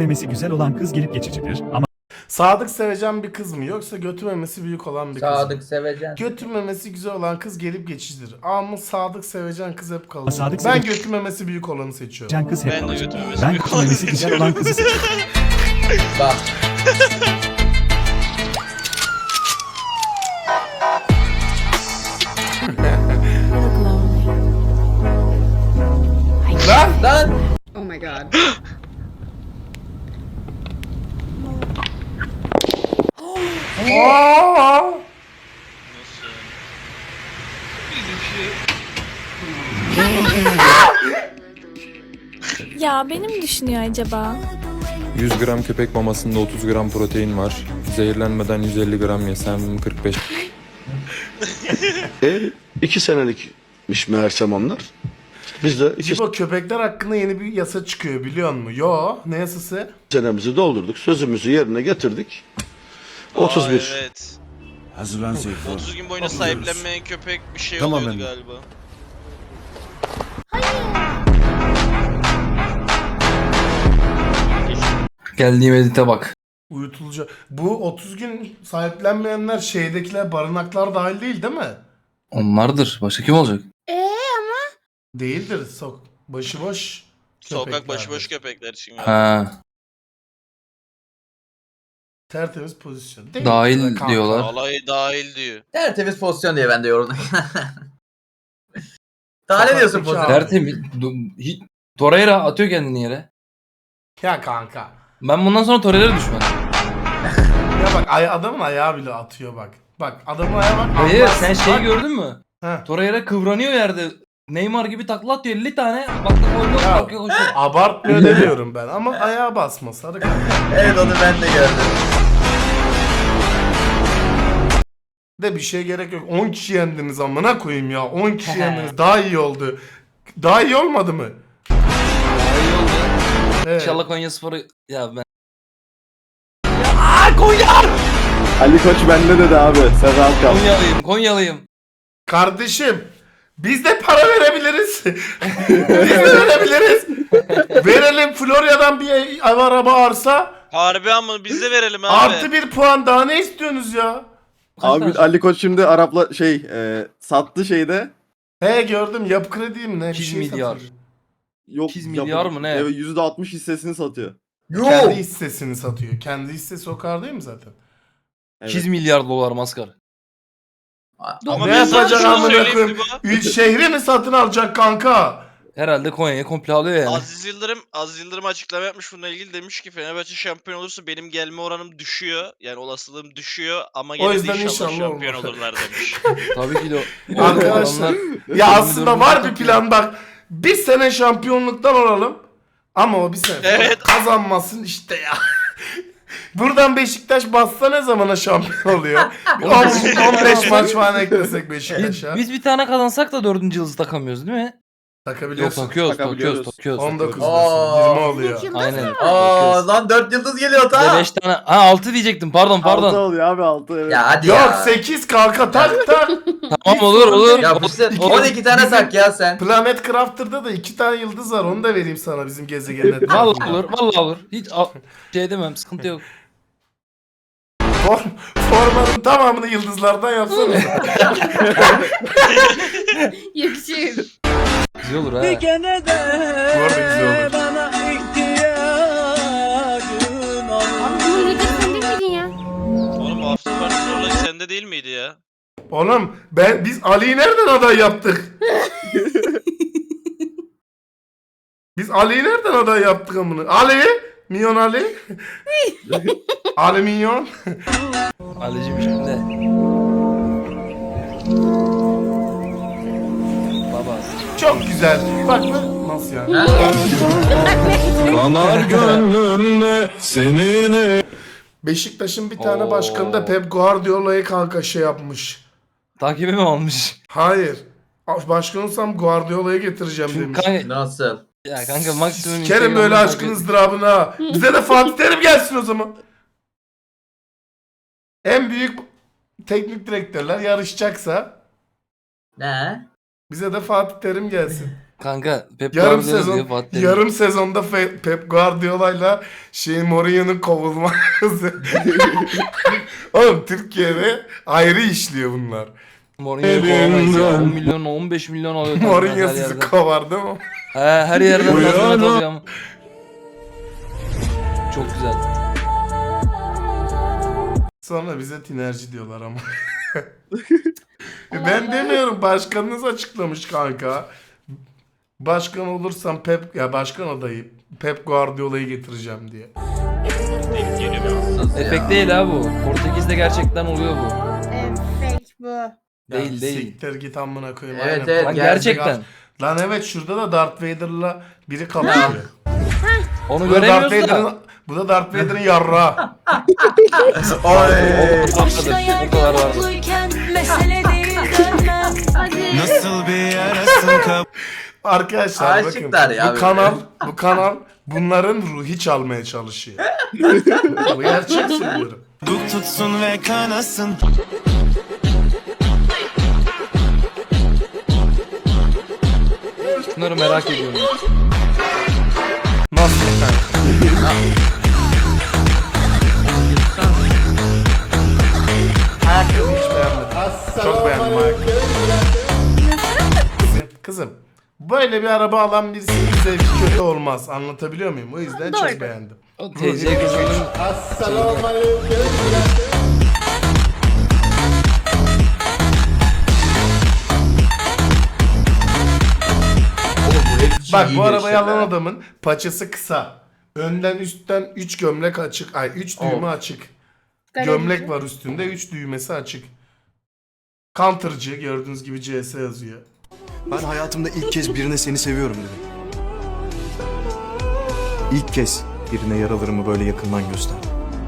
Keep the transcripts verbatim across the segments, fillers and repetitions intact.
memesi güzel olan kız gelip geçicidir ama Sadık sevecen bir kız mı yoksa götü memesi büyük olan bir kız mı? Sadık sevecen. Götü memesi güzel olan kız gelip geçicidir. Ama sadık sevecen kız hep kalır. Sadık Ben sevecen- götü memesi büyük olanı seçiyorum. can kız hep Ben de kalacak. götü memesi Ben büyük kutu olanı memesi güzel olan kızı seçiyorum. Bak. Lan! Lan. Oh my god. Aa! Nasıl? Ya benim düşünüyor acaba? yüz gram köpek mamasında otuz gram protein var. Zehirlenmeden yüz elli gram yesem kırk beş E, iki senelikmiş meğersem onlar. Biz de iki Cibo, köpekler hakkında yeni bir yasa çıkıyor biliyor musun? Yo, ne yasası? senemizi doldurduk. Sözümüzü yerine getirdik. otuz bir. Aa, evet. Hazırlan Seyfo. otuz gün boyunca sahiplenmeyen köpek bir şey Tamam oluyordu efendim. galiba. Geldiğim edite bak. Uyutulacak. Bu otuz gün sahiplenmeyenler şeydekiler barınaklar dahil değil değil mi? Onlardır. Başka kim olacak? Değildir. Sok başıboş Sokak köpeklerdir. başıboş köpekler için. galiba. Ha, Tertemiz pozisyon. Değil dahil kanka. diyorlar. Alay dahil diyor. Tertemiz pozisyon diye ben de yorumladım. Daha ne diyorsun Sokaktaki pozisyon? abi. Tertemiz. Du- hiç- Torreira atıyor kendini yere. Ya kanka. Ben bundan sonra Torreira düşman. Ya bak ay adamın ayağı bile atıyor bak. Bak adamın ayağı bak. Hayır, anlarsın. sen şeyi Bak. gördün mü? Heh. Torreira kıvranıyor yerde. Neymar gibi takla atıyor elli tane. Bak gol yok, Ya. bak yok, koşuyor. Abartmıyor demiyorum ben ama ayağa basma sarı kanka. Evet onu ben de gördüm. De bir şey gerek yok. on kişi yendiniz amına koyayım ya. on kişi yendiniz. Daha iyi oldu. Daha iyi olmadı mı? İyi oldu. Evet. İnşallah Konyaspor'u... Ya ben... Ali Koç bende dedi abi. Sen rahat kal. Konyalıyım, Konyalıyım. Kardeşim biz de para verebiliriz. biz de verebiliriz. Verelim Florya'dan bir ev araba arsa. Harbi ama biz de verelim abi. Artı bir puan daha ne istiyorsunuz ya? Kaç Abi tane- Ali Koç şimdi Arap'la şey e, sattı şeyde. He gördüm yapı krediyim ne? Bir İki şey milyar. satıyor. Yok. sekiz milyar mı ne? Evet yüzde altmış hissesini satıyor. Kendi hissesini satıyor. Kendi hissesi o kadar değil mi zaten? Evet. sekiz milyar dolar maskar. Ama Ne ben sana yapacak şunu amına söyleyeyim koyayım? Dibo. Üç şehri mi satın alacak kanka? Herhalde Konya'yı komple alıyor yani. Aziz Yıldırım, Aziz Yıldırım açıklama yapmış bununla ilgili, demiş ki Fenerbahçe şampiyon olursa benim gelme oranım düşüyor. Yani olasılığım düşüyor ama O gene de yüzden inşallah, inşallah şampiyon olmaz. olurlar demiş. Tabii ki de o. Arkadaşlar Adamlar- ya aslında var bir plan bak. Bir sene şampiyonluktan olalım. Ama o bir sene Evet. kazanmasın işte ya. Buradan Beşiktaş bassa ne zamana şampiyon oluyor? on beş maç falan eklesek Biz, Beşiktaş'a. biz bir tane kazansak da dördüncü yıldızı takamıyoruz değil mi? Yok Takabiliyorsun. takıyoruz, Takabiliyoruz. takıyoruz, takıyoruz. on dokuz Aa. yirmi oluyor. Aynen. Aa takıyoruz. lan dört yıldız geliyor Bir de ta. beş tane. Ha altı diyecektim pardon Altı pardon. oluyor abi altı evet. Ya hadi Yok ya. sekiz kanka tak tak. Tamam olur olur. Ya bu sefer O- on iki tane tak ya sen. Planet Crafter'da da iki tane yıldız var. Onu da vereyim sana bizim gezegenin. Vallahi olur, vallahi olur. Hiç al- şey demem, sıkıntı yok. Form, formanın tamamını yıldızlardan yapsana. Yakışır. Güzel olur ha. Bu arada güzel olur. Abi bunun lideri sen değil miydin ya? Oğlum after party olayı sende değil miydi ya? Oğlum ben biz Ali'yi nereden aday yaptık? Biz Ali'yi nereden aday yaptık amına? Ali? Minyon Ali? Ali Minyon? Ali'cim şimdi. Baba. Çok güzel. Bak bu nasıl yani? Kanar gönlümde seninle. Beşiktaş'ın bir tane Oo. başkanı da Pep Guardiola'yı kanka şey yapmış. Takibi mi almış? Hayır. Başkan olsam Guardiola'yı getireceğim Çünkü demiş. kanka, Nasıl? ya kanka maksimum Kerim böyle Instagram'dan aşkın takip- ızdırabına. Bize de Fatih Terim gelsin o zaman. En büyük teknik direktörler yarışacaksa Ne? bize de Fatih Terim gelsin. Kanka Pep Yarım Guardiola sezon diyor, Fatih Terim. yarım sezonda Fe- Pep Guardiola'yla şey Mourinho'nun kovulması. Oğlum Türkiye'de ayrı işliyor bunlar. Mourinho'yu kovamayız ya. on milyon on beş milyon alıyor. kanka Mourinho her sizi yerden. kovar değil mi? He, her yerden Uyan tazminat o. alıyor ama. Çok güzel. Sonra bize tinerci diyorlar ama. Ben demiyorum, başkanınız açıklamış kanka. Başkan olursam Pep ya başkan adayı Pep Guardiola'yı getireceğim diye. Efekt değil ha bu. Portekiz'de gerçekten oluyor bu. Efekt bu. Değil, Ya değil. Siktir git amına koyayım. Evet, Aynen. evet, Lan gerçek gerçekten. Lan evet, şurada da Darth Vader'la biri kapışıyor. Onu Bu da Darth göremiyoruz da. Vader'ın bu da Darth Vader'ın yarrağı. Oy. O kadar var. Hadi. Nasıl bir yarasın kap... Arkadaşlar Aşıklar bakın ya bu böyle. kanal bu kanal bunların ruhi çalmaya çalışıyor. Bu gerçek söylüyorum. Duk tutsun ve kanasın. Bunları merak ediyorum. Nasıl kanka? Ayakkabı hiç beğenmedim. Çok beğendim ayakkabı. Kızım, böyle bir araba alan birisinin zevki kötü olmaz. Anlatabiliyor muyum? O yüzden Doğru. çok beğendim. O T C kızının Bak İyi bu arabayı geçti alan be. adamın paçası kısa. Önden üstten üç gömlek açık. Ay üç düğme açık. Gömlek var üstünde, üç düğmesi açık. Counter'cı gördüğünüz gibi C S yazıyor. Ben hayatımda ilk kez birine seni seviyorum dedim. İlk kez birine yaralarımı böyle yakından gösterdim.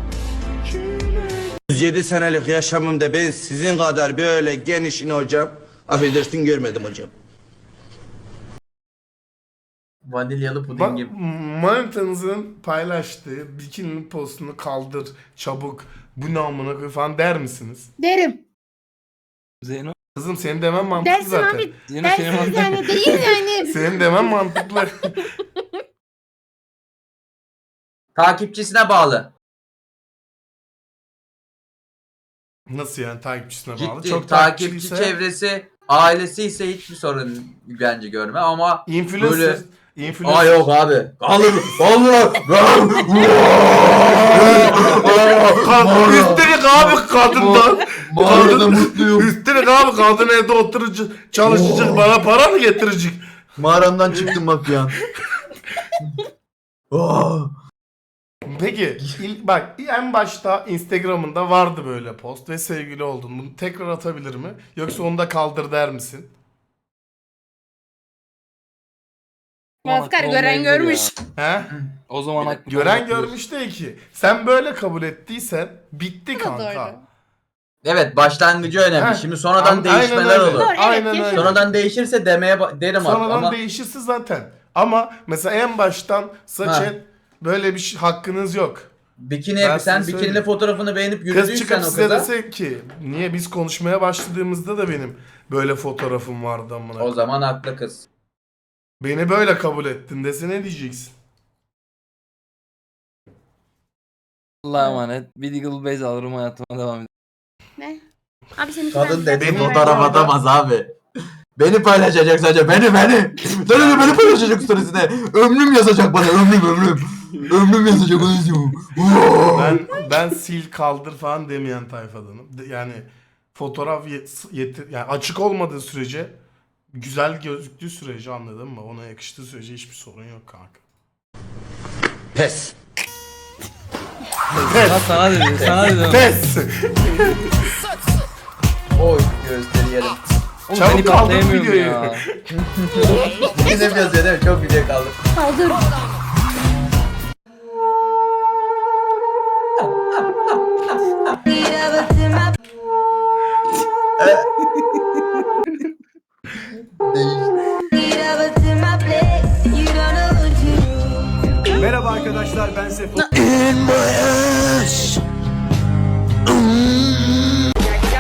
yüz yedi senelik yaşamımda ben sizin kadar böyle genişini hocam, affedersin, görmedim hocam. Vanilyalı puding Bak gibi. manitanızın paylaştığı bikini postunu kaldır çabuk, bu ne amına koy falan der misiniz? Derim. Zeyno. Kızım senin demen mantıklı Dersin zaten. abi. Zeyno senin Dersiz yani değil yani. Senin demen mantıklı. Takipçisine bağlı. Nasıl yani takipçisine bağlı? Ciddi Çok takipçi takipçiyse çevresi, ailesi ise hiçbir sorun bence görme ama influencer. böyle- Influencer. Aa yok abi. Kalır. Kalır. Ka- Üstelik abi kadından. Bu arada mutluyum. Üstelik abi kadın evde oturucu çalışacak, bana para mı getirecek? Mağaramdan çıktım bak ya. Peki il- bak en başta Instagram'ında vardı böyle post ve sevgili oldun. Bunu tekrar atabilir mi? Yoksa onu da kaldır der misin? Oscar gören görmüş. He? O zaman haklı. Gören görmüş değil ki. Sen böyle kabul ettiysen bitti Bu da kanka. doğru. Evet, başlangıcı önemli. Heh, Şimdi sonradan Aynen değişmeler öyle. olur. Doğru, evet, Aynen öyle. yaşadım. Sonradan değişirse demeye ba- derim artık Sonradan ama değişirse zaten. Ama mesela en baştan saç Ha. et, böyle bir şey, hakkınız yok. bikini Ben sen size bikinili söyleyeyim. fotoğrafını beğenip Kız yürüdüysen çıkıp o size kıza dese ki niye biz konuşmaya başladığımızda da benim böyle fotoğrafım vardı amına. o zaman haklı kız. Beni böyle kabul ettin dese ne diyeceksin? Allah'a emanet. Bir Deagle Base alırım, hayatıma devam ederim. Ne? Abi senin Kadın dedi Benim fotoğraf orada- atamaz abi. Beni paylaşacak sadece, beni beni. Sadece beni paylaşacak storiesine. Ömrüm yazacak bana, ömrüm ömrüm. Ömrüm yazacak, onu istiyorum. Ben ben sil kaldır falan demeyen tayfadanım. De- Yani fotoğraf yet, yetir, yani açık olmadığı sürece, güzel gözüktüğü sürece, anladın mı? Ona yakıştığı sürece hiçbir sorun yok kanka. Pes. Sana, sana dedi, sana dedi. Pes. Oy gösteri yerim. Oğlum Çabuk seni kaldır patlayamıyorum videoyu. ya. Yine yazıyor değil mi? Çok video kaldı. Kaldır. Merhaba arkadaşlar, ben Sefo.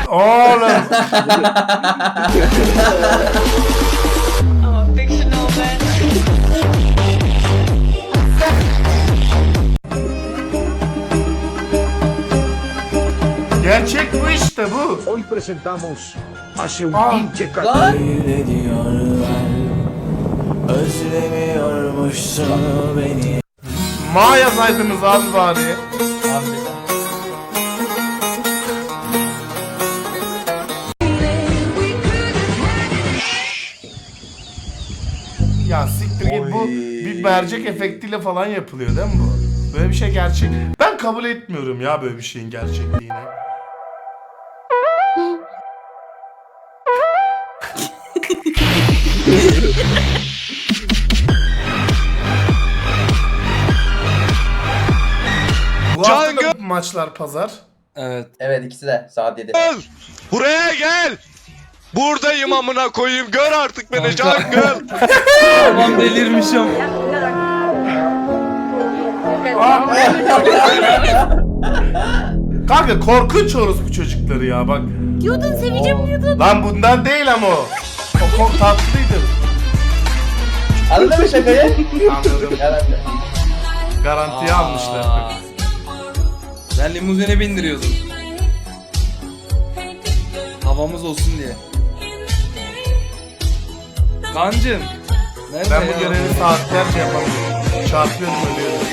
Oğlum. I'm a fictional man. presentamos hace un Ah. pinche Lan! Ma yazaydınız abi bari. Ya siktir git, bu bir mercek efektiyle falan yapılıyor değil mi bu? Böyle bir şey gerçek. Ben kabul etmiyorum ya böyle bir şeyin gerçekliğini. Bu hafta da maçlar pazar. Evet. Evet ikisi de saat yedi. Buraya gel. Buradayım amına koyayım. Gör artık beni Kanka. Cangıl. Tamam delirmişim. Kanka korkunç orospu çocukları ya bak. Diyordun seveceğim diyordun. Lan bundan değil ama o. O çok tatlıydı. Anladın mı şakayı? Anladım. Herhalde. Garantiye almışlar. Aa. Ben limuzine bindiriyordum. Havamız olsun diye. Kancım. Nerede Ben ya? bu görevi saatlerce yapamıyorum. Çarpıyorum ölüyorum.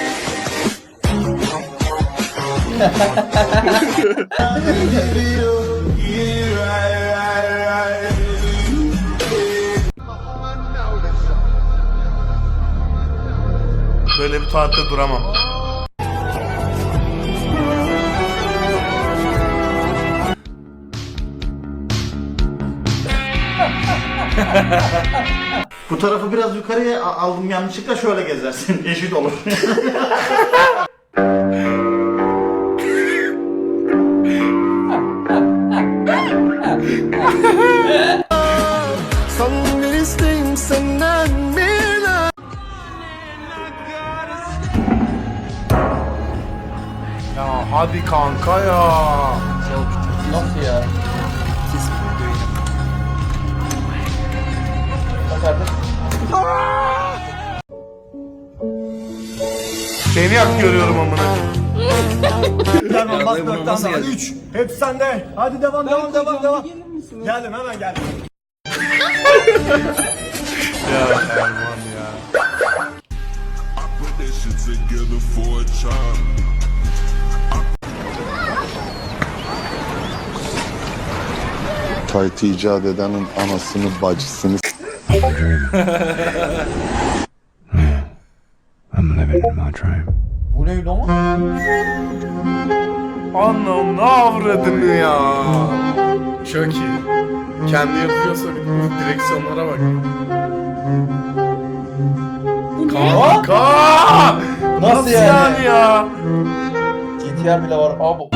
Böyle bir saatte duramam. Bu tarafı biraz yukarıya a- aldım yanlışlıkla, şöyle gezersin. Eşit olur. Son bir isteğim senden bir Ya hadi kanka ya. Nasıl ya? Bak artık. Seni yak görüyorum amına. Tamam bak Ya, bu dört nasıl tane daha. geldi? Üç. Hep sende. Hadi devam devam devam devam. Geldim hemen geldim. Ya Erman ya. Taytı icat edenin anasını bacısını Bu ne lan? Anam ne avradını ya. Çok iyi. Kendi yapıyorsa bir bu direksiyonlara bak. Kanka! Nasıl yani? yani? ya? G T R bile var abi.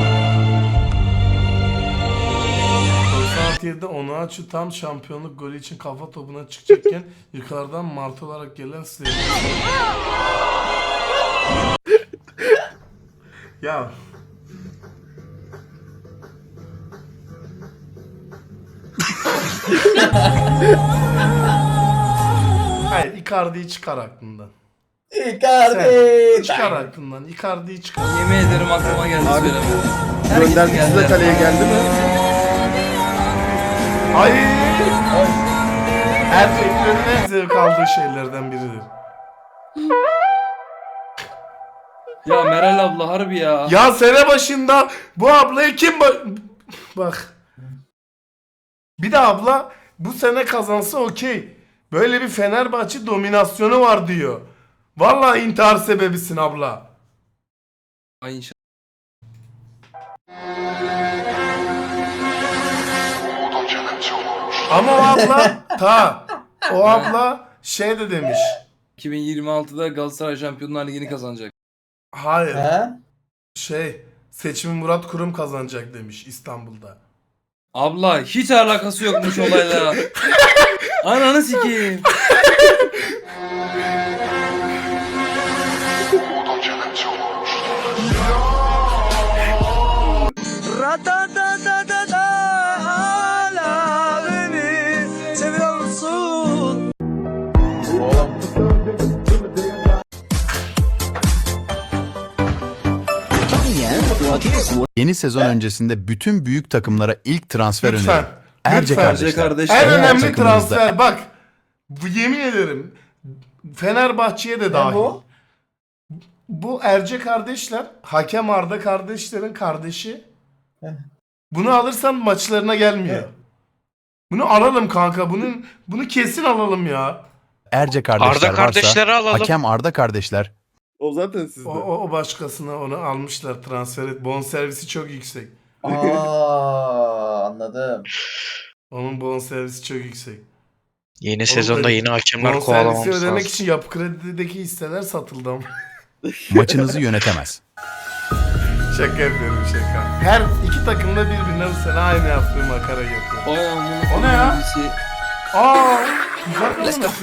doksan altı yedide onu açı tam şampiyonluk golü için kafa topuna çıkacakken yukarıdan martı olarak gelen Süleyman. Ya hayır, Icardi'yi çıkar aklından. Icardi. Çıkar aklından. Icardi'yi çıkar. Yemin ederim aklıma geldi söylemedim. göndermesi de kaleye geldi mi? Ay! Erkeklerin en zevk aldığı şeylerden biridir. Ya Meral abla harbi ya. Ya sene başında bu ablayı kim ba- bak. Bir de abla bu sene kazansa okey. Böyle bir Fenerbahçe dominasyonu var diyor. Vallahi intihar sebebisin abla. Ay inşallah. Ama o abla ta o abla şey de demiş. iki bin yirmi altıda Galatasaray Şampiyonlar Ligi'ni kazanacak. Hayır. He? Şey seçimi Murat Kurum kazanacak demiş İstanbul'da. Abla hiç alakası yokmuş olayla. Ananı sikeyim. Yeni Yeni sezon öncesinde bütün büyük takımlara ilk transfer Lütfen. öneri. Erce Lütfen. kardeşler. kardeşler. En Eğer önemli takımınızda- transfer bak. Bu yemin ederim Fenerbahçe'ye de dahil. bu? Bu Erce kardeşler, Hakem Arda kardeşlerin kardeşi. Bunu alırsan maçlarına gelmiyor. Bunu alalım kanka. Bunun bunu kesin alalım ya. Erce kardeşler Arda varsa kardeşleri alalım. hakem Arda kardeşler. O zaten sizde. O, o, o başkasına onu almışlar transfer et. Bonservisi çok yüksek. Aa, anladım. Onun bonservisi çok yüksek. Yeni Oğlum sezonda da- yeni hakemler Bonservisi kovalamamız ödemek lazım. için yapı kredideki hisseler satıldı ama. Maçınızı yönetemez. Şaka yapıyorum şaka. Her iki takım da birbirine bu sene aynı yaptığı makara yapıyor. Vay amına O ne ya? koyayım. Aa, güzel mi?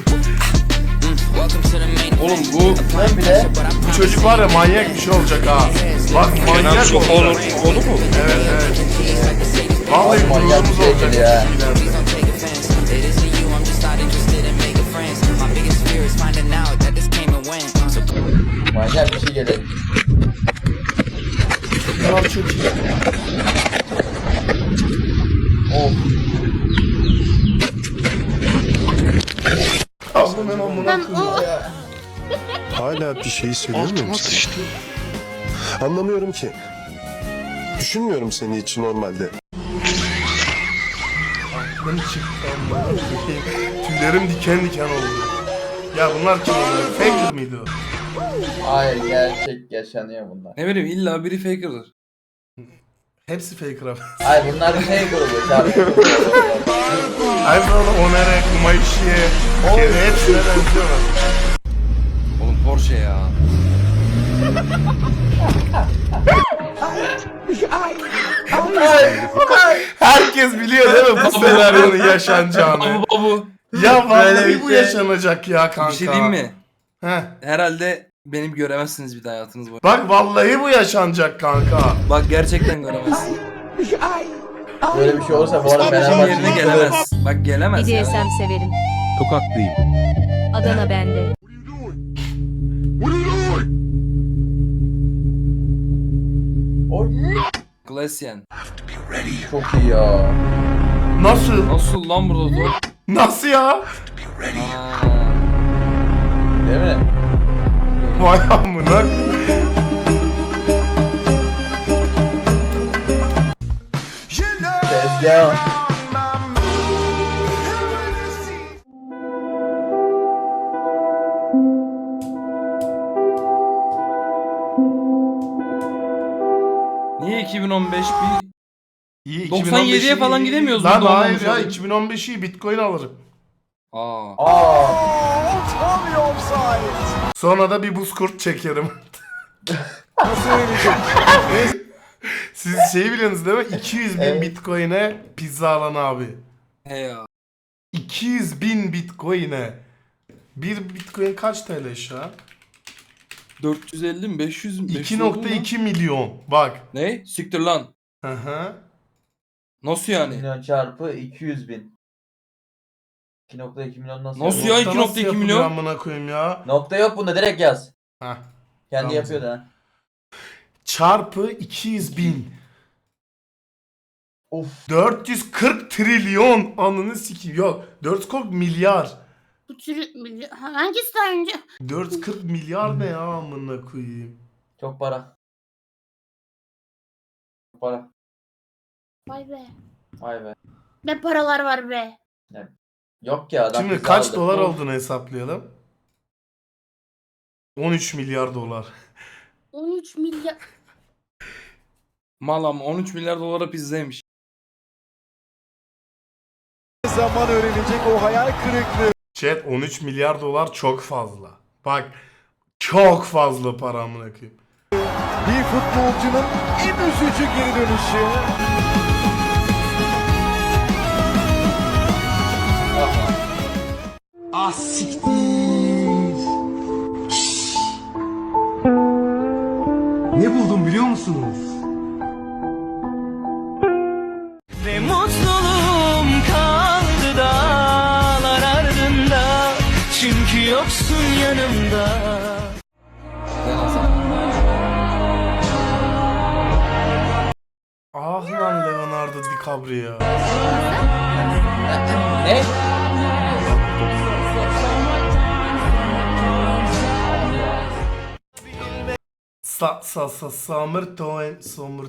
Oğlum bu Ben bile Bu çocuk var ya manyak bir şey olacak ha. Bak Kenan manyak Sokoğlu olacak. oğlu mu? Evet evet. Vallahi manyak bir gururumuz şey olacak. ya. ileride. manyak bir şey gelir. Tamam çok iyi. Of. Abla ben amına Ben koyayım. o Hala bir şeyi söylemiyor Altıma musun? sıçtı. Anlamıyorum ki. Düşünmüyorum seni hiç normalde. Aklım çıktı amına koyayım. Tüylerim diken diken oldu. Ya bunlar kim oluyor? Faker miydi o? Hayır, gerçek yaşanıyor bunlar. ne bileyim illa biri faker'dır. Hepsi faker abi. Hayır, bunlar şey grubu. Şarkı grubu. Ay böyle Onere, Kumayşi'ye, Kere hepsine benziyorlar. Oğlum Porsche ya. Herkes biliyor değil mi bu senaryonun yaşanacağını? Babu babu. Ya Böyle vallahi bir bu şey. yaşanacak ya kanka. Bir şey diyeyim mi? Heh. Herhalde benim göremezsiniz bir daha hayatınız boyunca. Bak vallahi bu yaşanacak kanka. Bak gerçekten göremezsin. Böyle bir şey olursa bu arada Bizim Fenerbahçe yerine gelemez. Bak gelemez ya. severim. Tokatlıyım. Adana bende. Oy. Klasyen. Çok iyi ya. Nasıl? Nasıl lan burada top? Nasıl ya? Aa, Değil mi? Vay amına. Tezgah. niye iki bin on beş bir İyi, doksan yediye 2015'i falan gidemiyoruz Lan burada hayır olmamış ya abi. iki bin on beşi Bitcoin alırım. Aa. Aa. Sonra da bir buz kurt çekerim. Siz şeyi biliyorsunuz değil mi? iki yüz bin Evet. Bitcoin'e pizza alan abi. He ya. iki yüz bin Bitcoin'e. Bir Bitcoin kaç T L şu an? dört yüz elli mi? beş yüz mü? beş yüz iki nokta iki oldu mu? milyon. Bak. Ne? Siktir lan. Hı hı. Nasıl yani? Milyon çarpı iki yüz bin. iki nokta iki milyon nasıl? Nasıl yapıyor? ya? iki nokta iki Nasıl milyon? yapılıyor amına koyayım ya. Nokta yok bunda, direkt yaz. Heh. Kendi Tamam. yapıyor da. Çarpı iki yüz bin. Of. dört yüz kırk trilyon. Ananı sikeyim. Yok. dört yüz kırk milyar. Bu tür hangisi daha önce? dört yüz kırk milyar ne ya amına koyayım. Çok para. Çok para. Vay be. Vay be. Ne paralar var be. Yok ya adam. Şimdi bizi kaç aldı. dolar Of. olduğunu hesaplayalım. on üç milyar dolar. on üç milyar. Mal ama on üç milyar dolara pizzaymış. Zaman öğrenecek o hayal kırıklığı. Chat on üç milyar dolar çok fazla. Bak çok fazla para amına koyayım. Bir futbolcunun en üzücü geri dönüşü. Ah siktir. Ne buldum biliyor musunuz? Ve mutluluğum kaldı dağlar ardında. Çünkü yoksun yanımda. Sabri ya. Ne? Sa sa sa Summer Time Summer